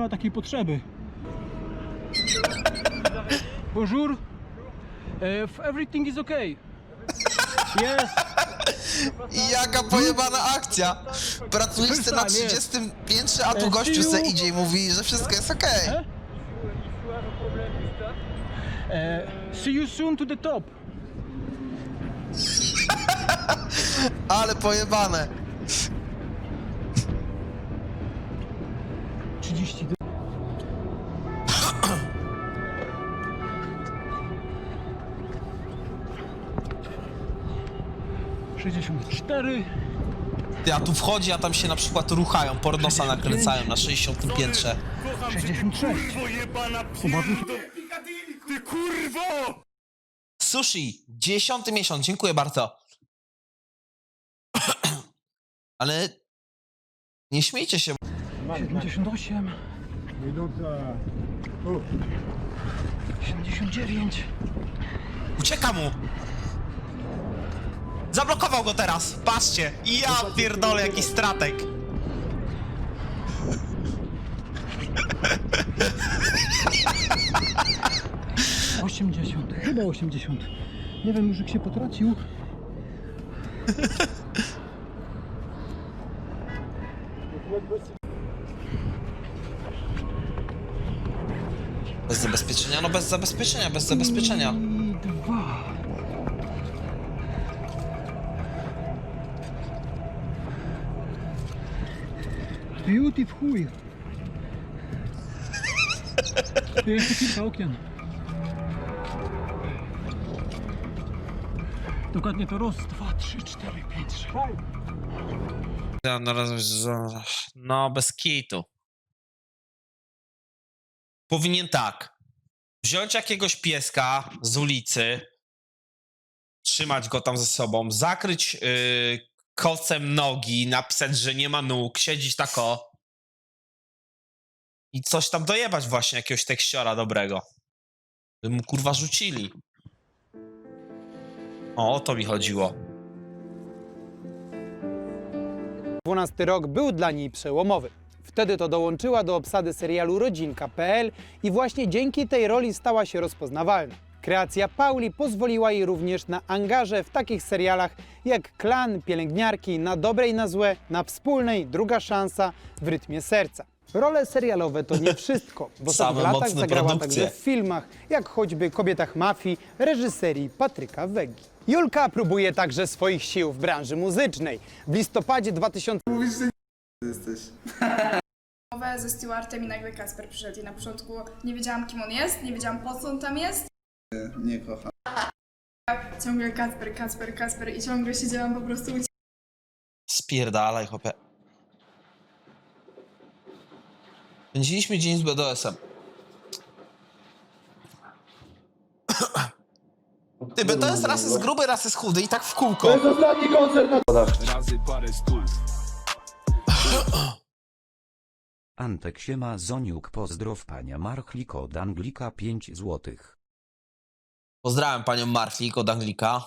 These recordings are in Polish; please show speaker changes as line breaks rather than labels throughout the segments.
ma takiej potrzeby. Bonjour. Everything is okay. Yes.
Jaka pojebana akcja! Pracujesz na 30 piętrze, a tu gościu se idzie i mówi, że wszystko jest okej.
See you soon to the top.
Ale pojebane.
30. 64.
Ty, a tu wchodzi, a tam się na przykład ruchają, pornosa nakręcają na 60 piętrze.
66.
Ty kurwo!
Sushi, 10 miesiąc, dziękuję bardzo. Ale nie śmiejcie się.
78. 79.
Ucieka mu! Zablokował go teraz, patrzcie! Ja pierdolę, jakiś stratek!
Chyba 80. Nie wiem, już jak się potracił.
Bez zabezpieczenia? No bez zabezpieczenia, bez zabezpieczenia.
I 2. Beauty w chuj. Tu jeszcze kilka okien. Dokładnie to raz, 2, 3, 4, 5, 6.
No, bez kitu. Powinien tak. Wziąć jakiegoś pieska z ulicy, trzymać go tam ze sobą, zakryć kocem nogi, napisać, że nie ma nóg, siedzieć tako i coś tam dojebać właśnie, jakiegoś tekściora dobrego. By mu kurwa rzucili. O to mi chodziło.
12 rok był dla niej przełomowy. Wtedy to dołączyła do obsady serialu Rodzinka.pl i właśnie dzięki tej roli stała się rozpoznawalna. Kreacja Pauli pozwoliła jej również na angaże w takich serialach jak Klan, Pielęgniarki, Na dobre i na złe, Na wspólnej, Druga szansa, W rytmie serca. Role serialowe to nie wszystko. W ostatnich
Same
latach
mocne
zagrała
produkcje.
także w filmach, jak choćby Kobietach mafii, reżyserii Patryka Wegi. Julka próbuje także swoich sił w branży muzycznej. W listopadzie 2000
Jesteś.
Rozmowę ze Stewartem i nagle Kasper przyszedł i na początku nie wiedziałam, kim on jest, nie wiedziałam, po co on tam jest.
Nie kocham.
Ciągle Kasper i ciągle siedziałam po prostu
Spierdalaj, chłopie. Spędziliśmy dzień z BDS-em. Ty, BDS raz jest gruby, raz jest chudy i tak w kółko.
Razy parę stów.
Antek siema Zoniuk, pozdrow pania Marchlik od Anglika 5 złotych.
Pozdrawiam panią Marchlik od Anglika.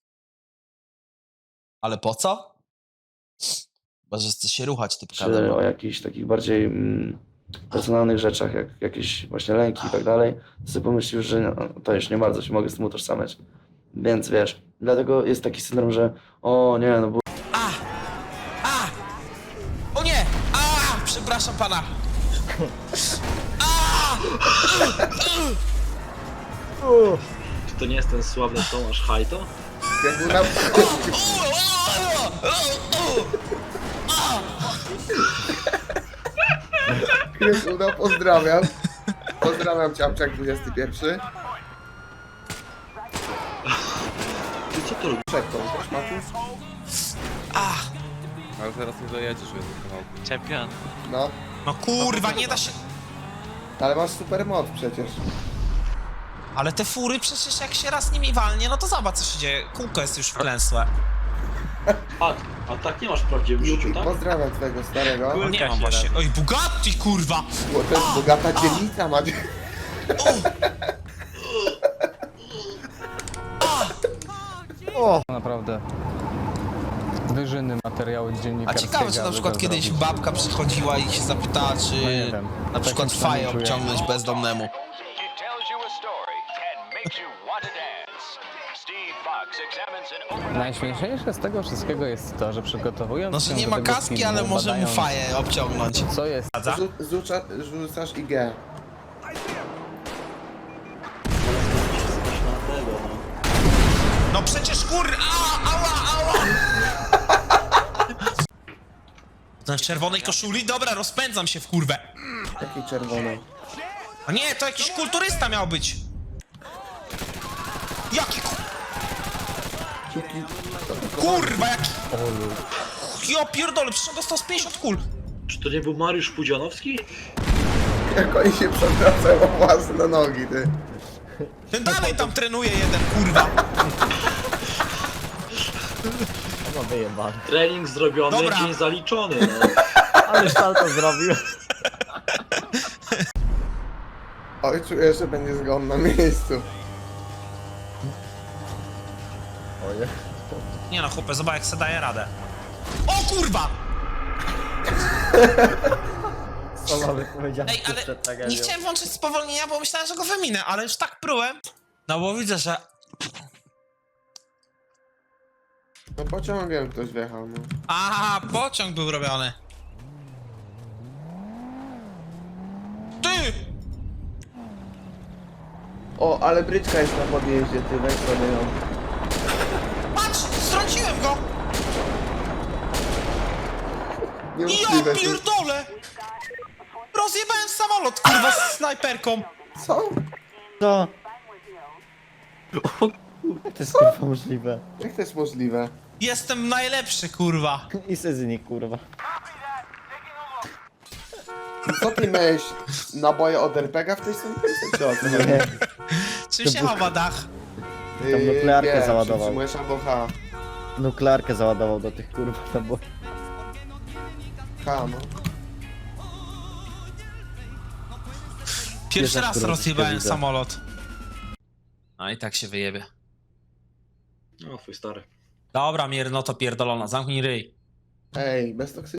Ale po co? Chyba, że chce się ruchać typka.
Czy o jakichś takich bardziej personalnych rzeczach, jak jakieś właśnie lęki i tak dalej, to sobie pomyślił, że no, to już nie bardzo się mogę z tym utożsamiać. Więc wiesz, dlatego jest taki syndrom, że o nie, no bo
O nie! Przepraszam pana.
Czy to nie jest ten sławny Tomasz Hajto?
Krysuda, pozdrawiam. Pozdrawiam Ciapczak 21.
Ty co to robisz?
Przekąd, też Matus?
Ale teraz nie dojedziesz w jednym kawałku.
Czempion.
No,
No kurwa, nie da się...
ale masz super moc przecież.
Ale te fury przecież jak się raz nimi walnie, no to zobacz co się dzieje. Kółko jest już wklęsłe.
A tak nie masz w prawdziwym życiu, tak?
Pozdrawiam twojego starego.
No nie mam właśnie. Oj, Bugatti, kurwa!
Bo to jest bogata dzielnica, ma.
Naprawdę.
Wyżyny materiału
A
dziennikarskiego.
ciekawe, czy na przykład kiedyś babka przychodziła i się zapytała, czy
nie wiem.
na przykład
Tak
faję
czuję.
obciągnąć bezdomnemu.
Najśmieszniejsze z tego wszystkiego jest to, że przygotowując
No,
się
że nie
do
ma
tego
kaski,
filmu,
ale może mu
badając,
faję obciągnąć.
co jest
Zgadza?
Rzucasz IG.
No przecież ała! Ten w czerwonej koszuli? Dobra, rozpędzam się w kurwę.
Takiej czerwonej.
A nie, to jakiś kulturysta miał być. Jaki kurwa, jaki... Ja pierdolę, przecież on dostał z 50 kul.
Czy to nie był Mariusz Pudzianowski?
Jak oni się przewracają o własne nogi, ty.
Ten dalej tam trenuje jeden, kurwa.
Trening zrobiony,
Dobra.
dzień zaliczony. No.
Ale salto zrobił.
Oj, czuję, że będzie zgon na miejscu.
Nie no, chłopie, zobacz jak se daje radę. O kurwa! Ej, ale nie chciałem włączyć spowolnienia, bo myślałem, że go wyminę, ale już tak prułem. No bo widzę, że...
No pociągiem ktoś wjechał, no.
Aha, pociąg był robiony. Ty!
O, ale bryczka jest na podjeździe, ty, weź sobie ją.
Patrz, strąciłem go! Ja
Niemożliwe, ty.
pierdolę! Rozjebałem samolot, kurwa, z snajperką.
Co?
Co? To jest kurwa możliwe.
Jak to jest możliwe?
Jestem najlepszy, kurwa.
I sezyni kurwa.
Co ty miałeś naboje od RPG w tej syntezie? Czy o co chodzi?
Czym się chowa dach?
Tam
nuklearkę załadował.
Przytrzymujesz albo H.
Nuklearkę załadował do tych kurwa, to było...
H, no.
Pierwszy raz
kurwa,
rozjebałem
widzę.
samolot. A i tak się wyjebie.
No, twój stary.
Dobra, mierno to pierdolona, zamknij ryj.
Ej, bez toksyczności.